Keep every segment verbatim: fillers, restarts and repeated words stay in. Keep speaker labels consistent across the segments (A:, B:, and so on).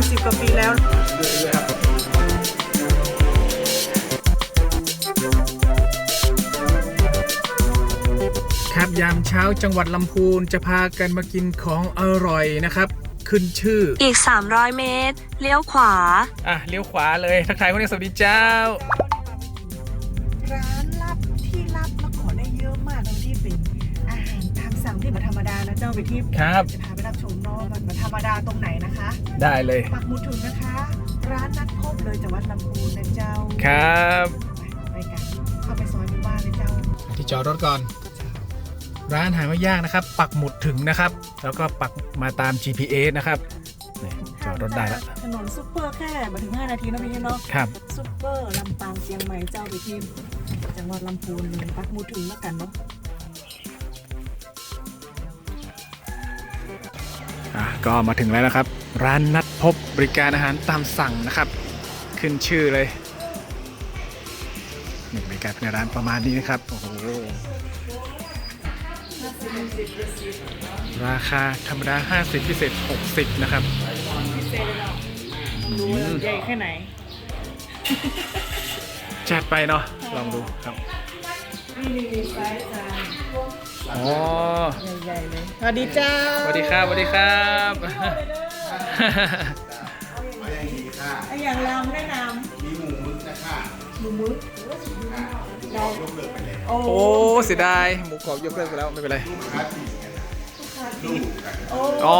A: สิบกว่าปีแล้ว
B: ครับยามเช้าจังหวัดลำพูนจะพากันมากินของอร่อยนะครับขึ้นชื่อ
C: อีกสามร้อยเมตรเลี้ยวขวา
B: อ่ะเลี้ยวขวาเลยทักทายคนนี้สวัสดีเจ้า
A: ร้านลับที่ลับแล้วขอได้เยอะมากเลยที่เป็นอาหารตามสั่งที่แบบธรรมดานะเจ้าไปที่
B: ครับ
A: จะพาไปรับชมเนาะมันธรรมดาตรงไหนนะคะ
B: ได้เลย
A: ปักหมุดถึงนะคะร้านนัดพบเลยจังหวัดลำพูนนะเจ้า
B: ครับ
A: ไปกันเข้าไปซอยหมู่บ้านเลยเจ้า
B: ที่จอดรถก่อนร้านหาไม่ยากนะครับปักหมุดถึงนะครับแล้วก็ปักมาตาม จี พี เอส นะครับจอดรถได้แล้ว
A: ถนนซุปเปอร์แค่มาถึงห้านาทีนะพี่เนาะ
B: ครับ
A: ซุปเปอร์ลำปางเชียงใหม่เจ้าไปที่จังหวัดลำพูนเลยปักหมุดถึงแล้วกันเนาะ
B: อ่ะก็มาถึงแล้วนะครับร้านนัดพบบริการอาหารตามสั่งนะครับขึ้นชื่อเลยนี่บรรยากาศในร้านประมาณนี้นะครับโอ้โหราคาธรรมดาห้าสิบพิเศษหกสิบนะครับ
A: พิเศษเลยเนาะดูใหญ่แค่ไหน
B: จัดไปเนาะลองดูครับ
A: นี่นี่ไซส์จาน
B: อ๋อ
A: ใหญ่ๆเลยสวัสดีเจ้า
B: สวัสดีครับสวัสดีครับ
A: ไออย่างลำแนะนำ
D: มีหมูมึกนะคะ
A: หมูมึก
D: เรายกเลิกไปแล้ว
B: โอ้เสียดายหมูกรอบยกเลิกไปแล้วไม่เป็นไร
D: ลูกค้าติดกันลูกกัน
B: อ๋อ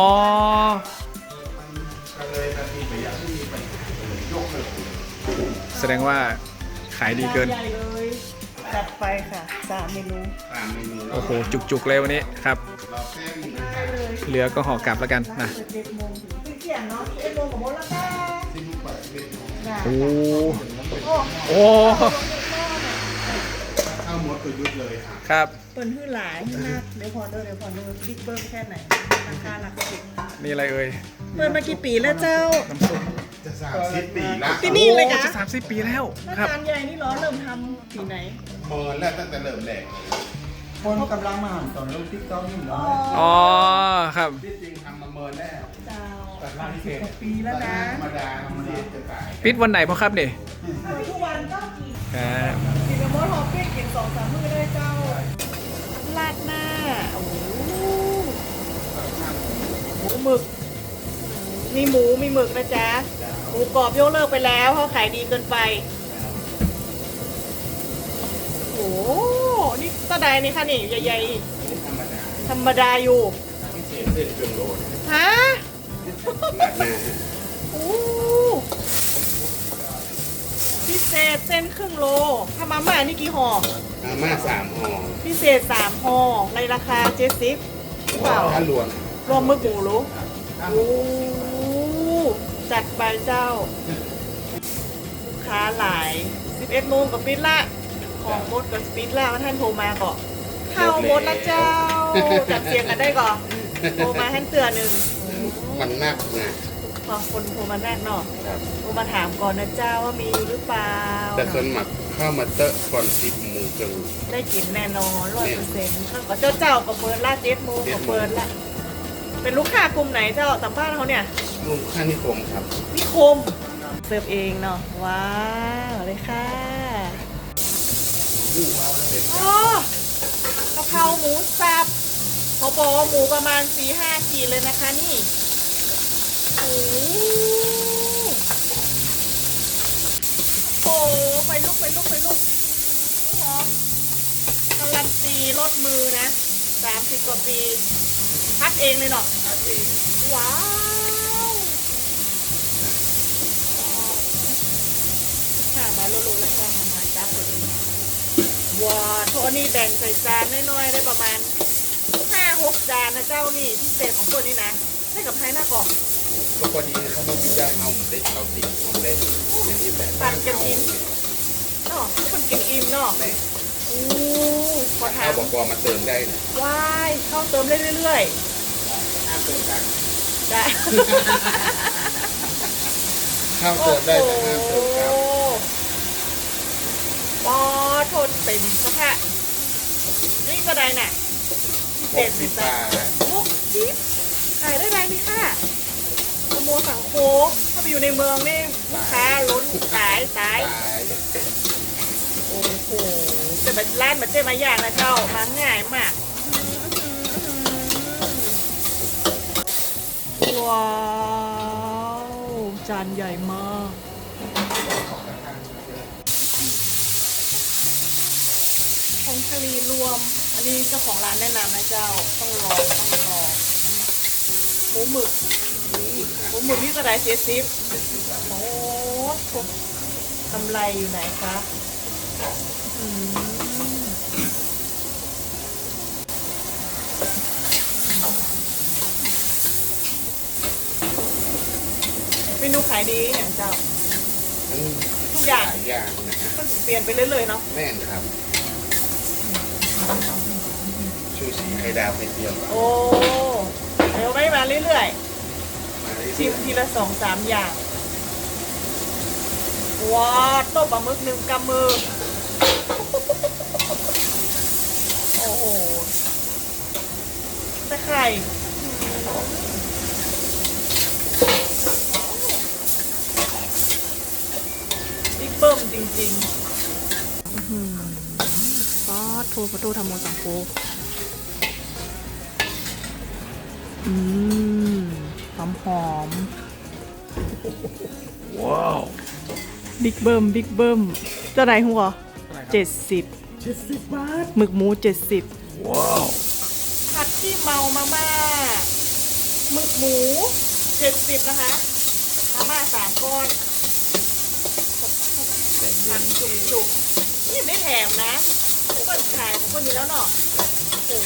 D: ก็เลยทันทีไปอย่างที่ไปยกเลิก
B: แสดงว่าขายดีเกิน
A: จัดไปค่ะสามเมนู
D: สามเมนู
B: โอ้โหจุกๆเลยวันนี้ครับเหลือก็ห่อกลับแล้วกันนะ
A: เจ็ดโมงถึงเที่ยงเนาะเจ็ดโมงกับโมแล้วค่ะ
B: โอ้โอ้
D: ข้าวมดตัวยุดเลยค่ะ
B: ครับ
A: เปิดหื้อหลายหื้อนักเดี๋ยวพอเด้อเดี๋ยวพอเด้อบิ๊กเบิ้มแค่ไหนราคาหลักสิบ
B: นี่อะไรเอ่ย
A: เปิดมากี่ปีแล้วเจ้า
B: น้ำซุป
D: จะสามสิบปีแล้ว
A: ที่นี่เลยค่ะ
B: จะสามสิบปีแล้ว
A: ครับจานใหญ่นี่เหรอเริ่มทำปีไหน
D: เมินแล้วตั้งแต่เริ่มแรก
E: คนกำลังมาตอนลูกติ๊กต๊อกนี่เหรอ
B: อ๋อครับ
D: ที่จริงทำมาเมินแล้ว
A: เจ้า
D: แต่ร้านพิเศษ
A: ปีแล้วนะ
D: ธรรมดาธรรมดาจะตาย
B: ปิดวันไหนพ่อครับเนี่ย
A: ทุกวันก็กิน
B: ครับ
A: กินกับมดฮอปปี้กินสองสามมื้อได้เจ้าลาดหน้าโอ้โหหมูหมึกมีหมูมีหมึกนะจ๊ะหมูกรอบยกเลิกไปแล้วเพราะขายดีเกินไปโอ้นี่ตะไดนี่ค่ะนี่ใหญ่ๆธรรมดาธรรมดาอยู่
D: พิเศษเส้นเครื่องโล
A: ฮะโอ้พิเศษเส้นครึ่งโลถ้ามาม่านี่กี่ห่อ
D: มาม่าสามห่อ
A: พิเศษสามห่อในราคาเจ็ดสิบเปล่า
D: ถ้ารวม
A: รวมมึกหมูรู้โอ้จัดไปเจ้าลูกค้าหลายสิบเอ็ดโมงกับปิดละของมดกับปิดละท่านโทรมาก่อนเข้ามดละเจ้าจัดเสียงกันได้ก่อนโทรมาท่านเตือนหนึ่ง
D: มันนักนะ
A: พอคนโทรมาแรกเนาะโทรมาถามก่อนนะเจ้าว่ามีหรือเปล่า
D: แต่ส่วนหมักข้าวมาเตอะก่อนสิบโมงครึ่ง
A: ได้กินแน่นอนร้อยเปอร์เซ็นต์แล้วก็เจ้าเจ้าก็เปิดละเจ็ดโมงก็เปิดละเป็นลูกค้ากลุ่มไหนเจ้าสัมภาษณ์เขาเนี่ย
D: ลูกค้านิคมครับ
A: นิคมเสิร์ฟเองเนาะว้าวเลยค่ะอ๋อกะเพราหมูสับเขาบอกว่าหมูประมาณ สี่ห้า ขีดเลยนะคะนี่โอ้โหไปลุกไปลุกไปลุกหอมการันตีรสมือนะสามสิบกว่าปีพัดเองเลยเนาะ
D: พัดเอง
A: ว้าวข้ามาโลโลแล้วก็มาจ้าคนนี้ว้าวโทนี่แบ่งใส่จานน้อยๆได้ประมาณห้าหกจานนะเจ้านี่พิเศษของตัวนี้นะได้กับไทยหน้ากล่อง
D: ก็พอดีเขาต้องมีได้เอาหมูได้เอาติ่งเอาได้อย่างที่แบบ
A: ปั่นกันอิ่มเนาะทุกคนกินอิ่มเนาะโอ้ขอถาม
D: เขาบอกว่ามาเติมได้นะ
A: ว้ายเข้าเติมได้เรื่อยๆ
D: ห้ามเติมกัน
A: ได้
D: เข้าเติมได้แต่ห้ามเติมกัน
A: ปอทนเต็มสักแค่นี่ก็ได้น่ะ
D: หกสิบบาท
A: หกสิบขายได้ไรนี่ค่ะขโมยสังโค้งถ้าไปอยู่ในเมืองนี่ลูกค้าล้นตายตาย
D: ตาย
A: โอ้โหแต่แบบร้านมันเจ๊มาอย่างนะเจ้ามาง่ายมากว้าวจานใหญ่มากผงชะลีรวม อันนี้เจ้าของร้านแนะนำนะเจ้าต้องลองต้องลองหมูหมึก
D: หมูหมึก
A: หมูหมึกนี่กระไรเจ็ดสิบโอ้โหกำไรอยู่ไหนคะอืมเมนูขายดีอย่างเจ้า
D: มัน
A: ทุกอย่าง
D: หลายอย่างนะฮะ
A: มันเปลี่ยนไปเรื่อยๆเนาะ
D: แม่นครับชูชีไข่ดาวไข่เจียว
A: โอ้เดี๋ยวไม่มาเรื่อย
D: มาเลย
A: ๆชิมทีละสองสามอย่างว้าต้มปลาหมึกหนึ่งกำมือโอ้โหตะไคร่บิ๊กเบิ้มจริงๆ อืมป๊าดโทรประตูทำโมสังโกอืมหอมหอมว้าว บิ๊กเบิ้มบิ๊กเบิ้มเจ้าไหนหัวเจ็ดสิบ
B: เจ็ดสิบบาท
A: หมึกหมูเจ็ดสิบ
B: ว้าว
A: ผัดที่เมามาม่าหมึกหมูเจ็ดสิบนะคะมาม่าสามก้อน
D: แต่เย็
A: ผั
D: น
A: ดจุกจุกๆนี่ไม่แถมนะทุกคนขายของคนนี้แล้วเนาะโอ้โห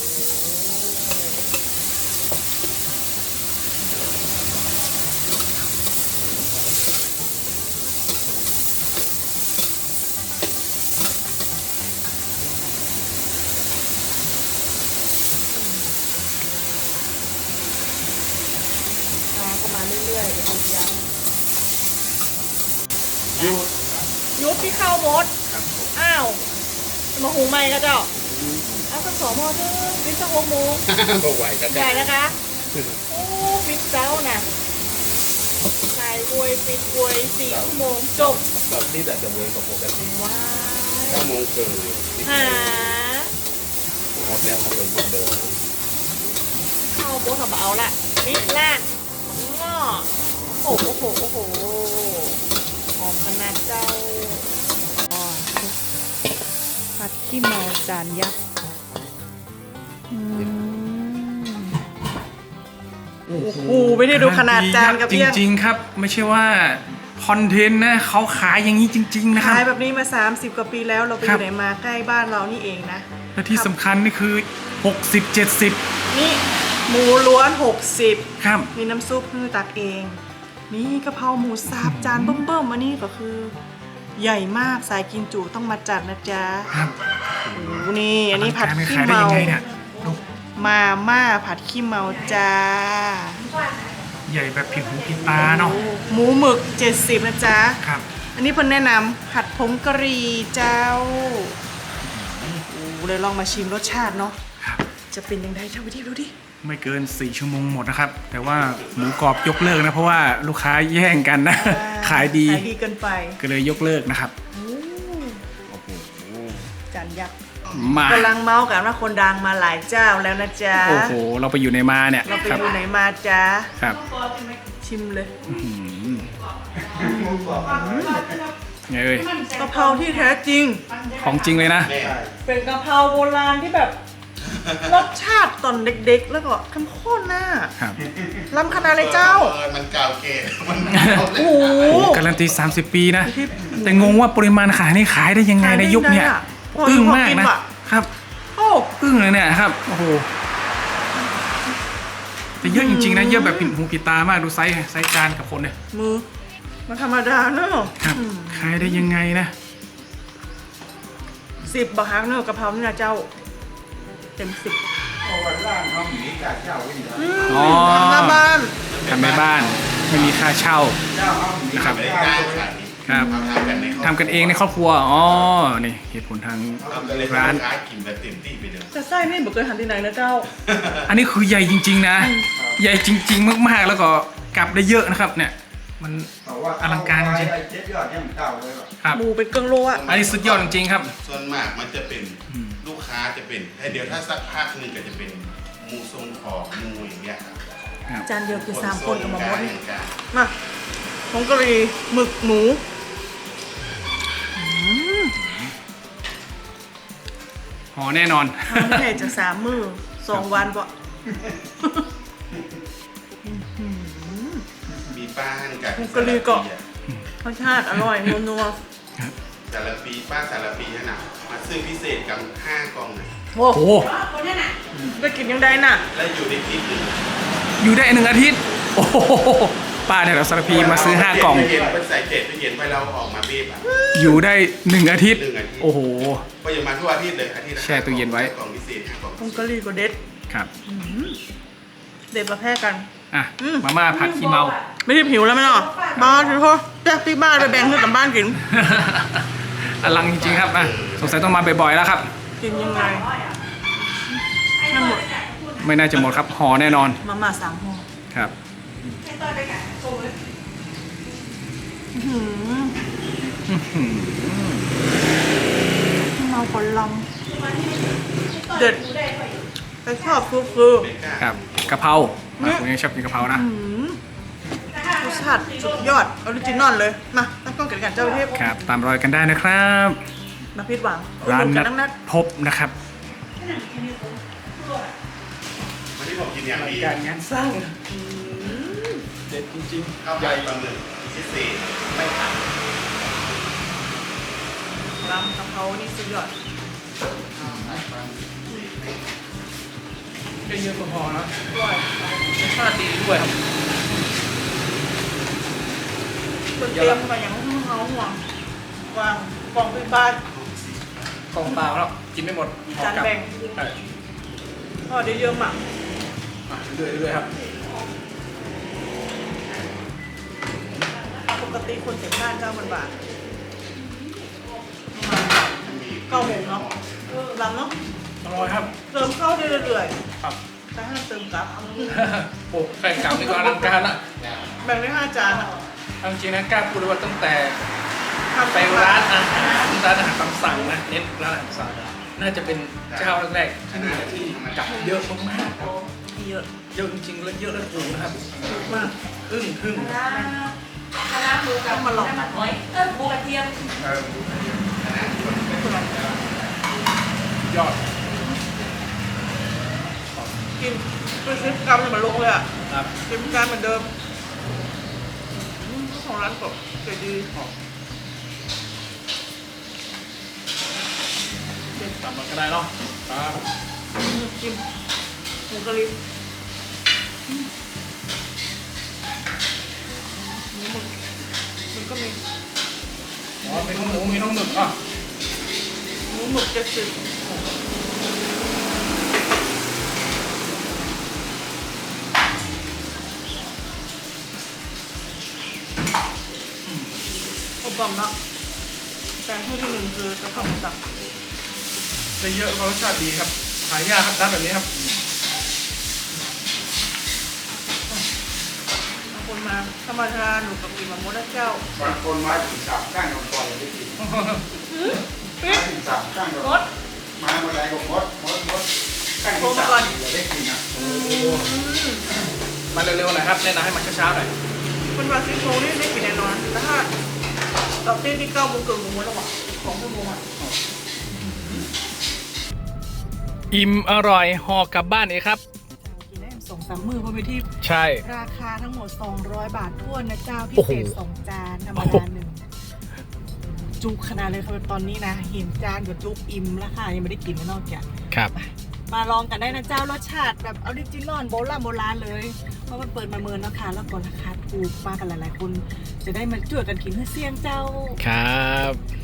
A: มาเข้ามาเรื่อยๆเดี๋ยวดูยัง
D: ยู
A: ยุบที่เข้าวมด
D: ครับผม
A: อ้าว มาหุงใหม่ก็เจ้า เอาสักสองโมงนึงปิดสักหกโมง
D: บ่ไหวกัน
A: ใหญ่นะคะ โอ้ปิดเจ้าน่ะขายบวยปิดบวยสี่ชั่วโมงจบ
D: เราที่แต่จะเวรกับปกติ
A: ว้า
D: เก้าโมงเกิน
A: หา
D: หมดแล้วมาเป็นหมดเดิม
A: เข้าวโบทำเอาละปิดล่างง้อโอ้โหโอ้โหโอ้โหหอมขนาดเจ้าอ๋อผัดขี้เมาจานยักษ์อืม โอ้โหไม่ได้ดูขนาดจานกับ
B: จ
A: เอี้ยง
B: ริงๆครับ ไม่ใช่ว่าคอนเทนต์นะเขาขายอย่างนี้จริง ๆ นะครั
A: ขาย
B: บ
A: แบบนี้มา สามสิบ กว่าปีแล้วเราไปอ
B: ครับ
A: ยู่ไหนมาใกล้บ้านเรานี่เองนะ
B: และที่สำคัญนี่คือ หกสิบ เจ็ดสิบ
A: นี่หมูล้วน หกสิบ
B: ครับ
A: มีน้ำซุปคือตักเอง นี่กะเพราหมูสับจานเบิ่มๆอันนี้ก็คือ ใหญ่มากสายกินจุต้องมาจัดนะจ๊ะ
B: ครับ
A: โอ้โหนี่อันนี้ผัดขี้
B: ขายได้
A: เมา
B: ยังไงเนี่ยดู
A: มาม่าผัดขี้เมาจ้า
B: ใหญ่แบบผิดหูผิดตาเนาะ
A: โอ้หมูหมึกเจ็ดสิบนะจ๊ะ
B: ครับ
A: อันนี้เพิ่นแนะนำผัดผงกะหรี่เจ้าโอ้เลยลองมาชิมรสชาติเนาะ
B: ครับ
A: จะเป็นยังไงเจ้าไปที่ดูดิ
B: ไม่เกินสี่ชั่วโมงหมดนะครับ แต่ว่าหมูกรอบยกเลิกนะ เพราะว่าลูกค้าแย่งกันนะ ขายดี
A: ขายดีเกินไป
B: ก็เลยยกเลิกนะครับ
A: โอ้
D: โอ้โห
A: จานยักษ์
B: มาก
A: ำลังเมาส์กันว่าคนดังมาหลายเจ้าแล้วนะจ๊ะ
B: โอ้โห เราไปอยู่ในมาเนี่ย
A: เราไป
B: ครับ
A: ดูไหนมาจ๊ะ
B: ครับ
A: ชิมเลย
B: อื้อหือไงเอ่ย
A: กะเพราที่แท้จริง
B: ของจริงเลยนะ
D: แม่
A: เป็นกะเพราโบราณที่แบบ รสชาติตอนเด็กๆ แล้วก็เข้มข้นน่ะ
B: ครับ
A: ล้ำขนาดเลยเจ้า
D: ออมันเก่าเก๋มัน
A: โอ้โห
B: โอ้การันตี สามสิบ ปีนะ แต่งงว่าปริมาณขายนี่ขายได้ยังไงในยุคเนี้ย
A: ขายได้ไงอะ
B: อึ้งมากนะ
A: พอกินว่ะ
B: ครับ
A: โอ้
B: อึ้งเลยเนี่ยครับ โอ้โห แต่เยอะจริงๆนะ เยอะแบบผิดหูผิดตามาก ดูไซส์ไซส์จานกับคนเนี่ย
A: มือมันธรรมดาเนอะ
B: ครับ ขายได้ยังไงนะ
A: สิบบาทเนอะกะเพรานี่นะเจ้า เต็มสิบ
E: วันล่างเขาหมีกาเจ้าไว้อยู่แล้ว
B: อ๋อ
A: ทำหน้าบ้าน
B: ทำในบ้าน ไม่มีค่าเช่า
E: เจ้าเขาหมี
B: นะครับ
D: ไม่ได้จ้างขาย
B: ครับ
D: ทำกันในครอบครัว
B: ทำกันเองในครอบครัว อ๋อ นี่เหตุผลทาง
D: ทำกันเลย
B: ร้าน
D: ค้ากินแบบเต็มที่ไปเลย
A: แต่ไส้นี่บอกเคยหันที่ไหนนะเจ้า
B: อันนี้คือใหญ่จริง ๆ นะ ใหญ่จริง ๆ มากๆ แล้วก็กลับได้เยอะนะครับ เนี่ยมัน
E: แต่ว่า
B: อลังการจริง
E: ไอ้เจ็ดยอดเนี่ยมันเก่าเลยแบบ
B: ครับ
A: หมูเป็นเครื่องโลอะ
B: อันนี้สุดยอดจริงๆครับ
D: ส่วนมากมันจะเป็น
B: อืม
D: ลูกค้าจะเป็นแต่เดี๋ยวถ้าสักพักหนึ่งก็จะเป็นหมูทรงของหมูอย่างเงี้ยครับ
B: ครับ
A: จานเดียวคือสามคนกับหมอมด
D: เห
A: นี่
D: มือนกัน
A: มาผงกะหรี่หมึกหมู
B: หอแน่นอน
A: ทำแค่จะสามมือสองวันบ่
D: มีป้าหั่นกับ
A: ผงกะหรี่ก็รสชาติอร่อยนัว
D: สารปีป้าสารปีนั่นน่ะมาซื้อพิเศษกับห้ากล่องน่ะ
A: ๆโอ้
B: โอ้โห
A: ได้กินยังได้น่ะ
D: แล้วอยู่ในคลิปหนึ่ง
B: อยู่ได้หนึ่งอาทิตย์ โอ้โหป้าเนี่ยเราสารพีมาซื้อห้ากล่อง
D: เย็นไปใส่เกล็ดไปเย็นไปเราออกมาเบีบอ่ะ
B: อยู่ได้หนึ่งอาทิตย์
D: หนึ่งอาทิตย์
B: โอ้โห
D: ก็ยังมาทุกอาทิตย์เลยอาทิตย์ละ
B: แช่ตู้เย็นไว้
D: กล่องพิเศษห้ากล่อง
A: ผงกะหรี่ก็เด็ด
B: ครับ
A: เด็ดประแพร่กัน
B: อ่ะ
A: อืม
B: มาม่าผัดขี้เมา
A: ไม่ได้หิวแล้วไหมเนาะบ้าถือโทษแจ๊กที่บ้านไปแบ่งให้กับบ้านกิน
B: อลังจริงๆครับอ่ะสงสัยต้องมาบ่อยๆแล้วครับ
A: กินยังไงให้หมด
B: ไม่น่าจะหมดครับหอแน่นอน
A: มาม่าสามห่อ
B: ครับ
A: อื้อหือเมาคนลำเด็ดแต่ชอบคือคือ
B: ครับกะเพราอ่ะผมยังชอบกินกะเพรานะ
A: อื้อหือรสชาติสุดยอดออริจินอลเลย มาตั้งกล้องเกิดกันเจ้าเทพ
B: ครับ ตามรอยกันได้นะครับ
A: มาพิดหวัง
B: ร้าน
A: อุดห
B: นั
A: กั
B: ด
A: นัก
B: พบนะครับ
D: วันนี้ผมกินอย่างดี
B: การงานสร้างเด็ดจริง
D: ข้าวใหญ่ปลาหมึกพิเศษไม่ผัด
A: ๆลำกะเพรานี่สุดยอด
B: ๆเยอะๆพอๆนะ
A: อร่อย
B: รสชาติดีด้วยครับ
A: คนเตรียมมาอย่างเฮาห่วงวางกล่องไปบ้าน
B: กล่องเปล่าแล้วกินไม่หมด
A: จานแบ่ง
B: ใช่
A: พอได้เยอะมาก
B: อ่ะเรื่อยๆครับ
A: ปกติคนเก็บบ้านเก้าพันบาทเก้าโมงเนาะลำเนาะ
B: อร่อยครับ
A: เติมเข้าได้เรื่อย
B: ครับ
A: ๆแต่ห้ามเติมกลับ
B: โอ้แข่งกลับนี่ก็อลังการละ
A: แบ่งได้ห้าจานอะ
B: เอาจริงๆนะกล้าพูดเลยว่าตั้งแต่
A: ทำ
B: ไปร้านอาหารร้านอาหารตามสั่งนะเน้นร้านอาหารสั่งน่าจะเป็นเจ้าแรกๆที่นี่ที่จับเยอะมากๆครับ
A: เยอะ
B: เยอะจริงๆแล้วเยอะแล้วถูกนะครับ
A: ถูกมาก
B: อึ้งทึ่ง
A: ต้องมาลองกัน
C: เออหมูกระเทียม
B: ยอด
A: กินไปซื้อกรัมเนี่ยมันลงเลยอ่ะ
B: ครับ
A: กินการเหมือนเดิมอืมของร้านก็ใจดี
B: ตามมาก็ได้เนาะครับ
A: อืมกินหมูกะหรี่อืมหมูหมึกมันก็มี
B: อ๋อมีทั้งหมูมีทั้งหมึกอ่ะ
A: หมูหมึกเจ็ดสิบอบรมเนาะแต่ที่ที่หนึ่งคือกระเพราหมูสับ
B: ได้เยอะเพราะรสชาติดีครับหายากครับร้านแบบนี้ครับ
A: บางคนมาธรรมดาหนูกับกินมะม่วงเจ้า
E: บางคนมาถึงสามข้างของปล่อยได้กิน
A: ปิ๊
E: มา
A: ด
E: ถึงสามข้าง
A: รส
E: มาเมื่อไรก็มดมดมดข้างที่สามอย่าได้กินอ่ะ
B: มาเร็วๆหน่อยครับแนะนำให้มาเช้าๆหน่อย
A: คนมาซิโครงนี่ได้กินแน่นอนแต่ถ้าตอนเต้นที่เก้าโมงเกินโมงแล้วอ่ะของชั่วโมงอ่ะ
B: อิ่มอร่อยห่อกลับบ้านเองครับ
A: กินได้สองสามมือเพราะไปที่
B: ใช่
A: ราคาทั้งหมดสองร้อยบาทท้วนนะเจ้าพิ
B: โอ้โห
A: เศษสองจานธรรม
B: โอ้โห
A: ดาหนึ่งจุกขนาดเลยครับตอนนี้นะเห็นจานกับจุกอิ่มราคายังไม่ได้กินนะนอกจาก
B: ครับ
A: มาลองกันได้นะเจ้ารสชาติแบบออริจินอลโบราณโบราณเลย เพราะมันเปิดมาเมินนะคะแล้วก็ราคาถูกมากันหลายๆคน จะได้มาช่วยกันกินให้เสี่ยงเจ้า
B: ครับ